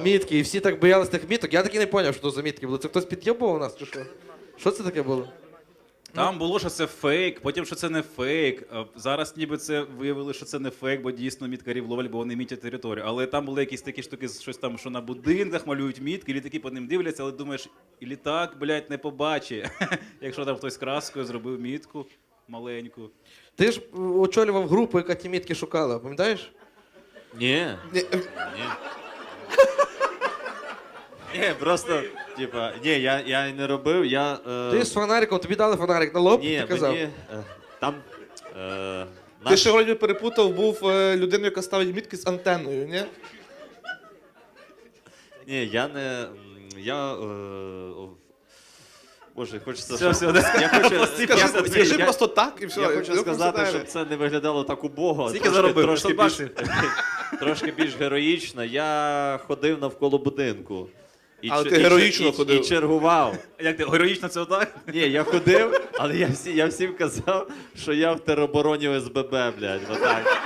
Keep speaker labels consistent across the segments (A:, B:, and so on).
A: мітки, і всі так боялись тих міток. Я таки не зрозумів, що то за мітки були. Це хтось під'єбував нас чи що? Що це таке було?
B: Там було, що це фейк, потім, що це не фейк. Зараз ніби це виявили, що це не фейк, бо дійсно міткарів ловлять, бо вони мітять територію. Але там були якісь такі штуки, щось там, що на будинках малюють мітки, літаки по ним дивляться, але думаєш, і літак, блядь, не побачить, якщо там хтось краскою зробив мітку маленьку.
A: Ти ж очолював групу, яка ті мітки шукала, пам'ятаєш?
C: Ні.
A: Ні.
C: Ні, просто, типа, ні, я не робив, я...
A: Ти з фонариком, тобі дали фонарик на лоб,
C: Ні,
A: ти казав.
C: мені, там...
D: Ти ще вроді перепутав, був людиною, яка ставить мітки з антенною, ні?
C: Ні, я не... Боже, хочеться...
B: Все,
C: щоб-
B: все,
C: Я хочу...
D: Скажи просто так і все.
C: Я хочу
D: Ну,
C: сказати,
D: просто
C: щоб це не виглядало так убого.
B: Скільки заробив?
C: Трошки
B: 500
C: більш,
B: баксів?
C: трошки більш героїчно. Я ходив навколо будинку.
D: Але ти героїчно ходив.
C: І чергував.
B: Як ти, героїчно це отак?
C: Ні, я ходив, але я всім казав, що я в теробороні ОСББ, блядь, отак.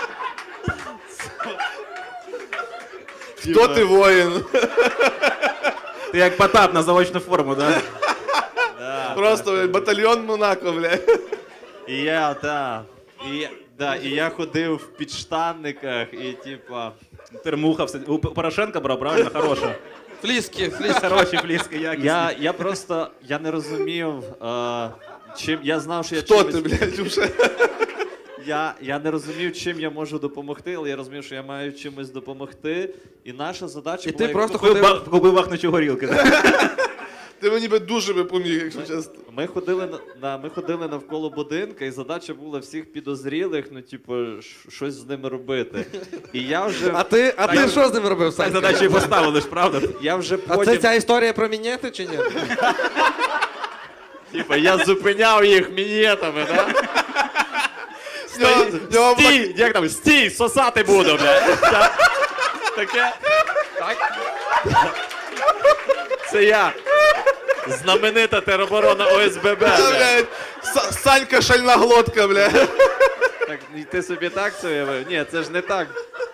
D: Хто ти воїн?
B: Ти як Потап на заочну форму, так?
C: Да,
D: Просто блядь, батальйон Монако, блядь.
C: І я, так. І я ходив в підштанниках, і типа...
B: Термуха, все. У Порошенка брав, правильно? Хороша.
A: Фліски.
B: Хороші фліски, якісні.
C: Я просто, я не розумів, чим, я знав, що я
D: Хто
C: чимось...
D: ти, блядь, вже?
C: Я не розумів, чим я можу допомогти, але я розумів, що я маю чимось допомогти. І наша задача
A: І
C: була...
A: ти просто
B: Купив купив вахнучу горілки.
D: Ти мені би дуже би поміг, якщо чесно.
C: Ми ходили навколо будинка, і задача була всіх підозрілих, ну, типу, щось з ними робити. І я вже...
A: А ти що з ним робив,
B: Так
A: Санька?
B: задачу і поставили ж, правда?
C: Я вже
A: А це
C: потім...
A: ця історія про мінети чи ні?
C: Типа, я зупиняв їх мінетами, да? Стій! Як там? Стій! Сосати буду, блядь! Таке... Це я. Знаменита тероборона ОСББ, блядь.
D: Блядь, Санька шальна глотка, блядь.
C: Так, і ти собі так це уявив? Ні, це ж не так.